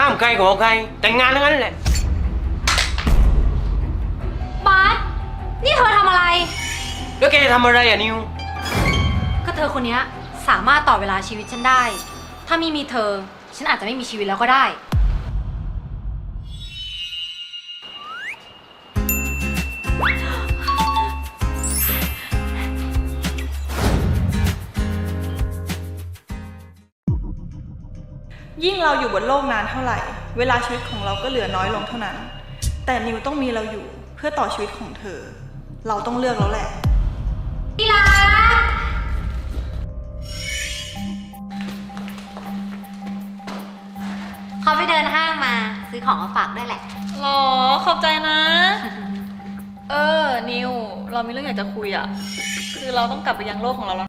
ห้ามใครขอใครแต่งงานทั้งนั้นแหละบาสนี่เธอทำอะไรแล้วแกจะทำอะไรอ่ะนิวก็เธอคนนี้สามารถต่อเวลาชีวิตฉันได้ถ้าไม่มีเธอฉันอาจจะไม่มีชีวิตแล้วก็ได้ยิ่งเราอยู่บนโลกนานเท่าไหร่เวลาชีวิตของเราก็เหลือน้อยลงเท่านั้นแต่นิวต้องมีเราอยู่เพื่อต่อชีวิตของเธอเราต้องเลือกแล้วแหละพี่รักเขาไปเดินห้างมาซื้อของมาฝากด้วยแหละหรอขอบใจนะนิวเรามีเรื่องอยากจะคุยอ่ะคือเราต้องกลับไปยังโลกของเราแล้ว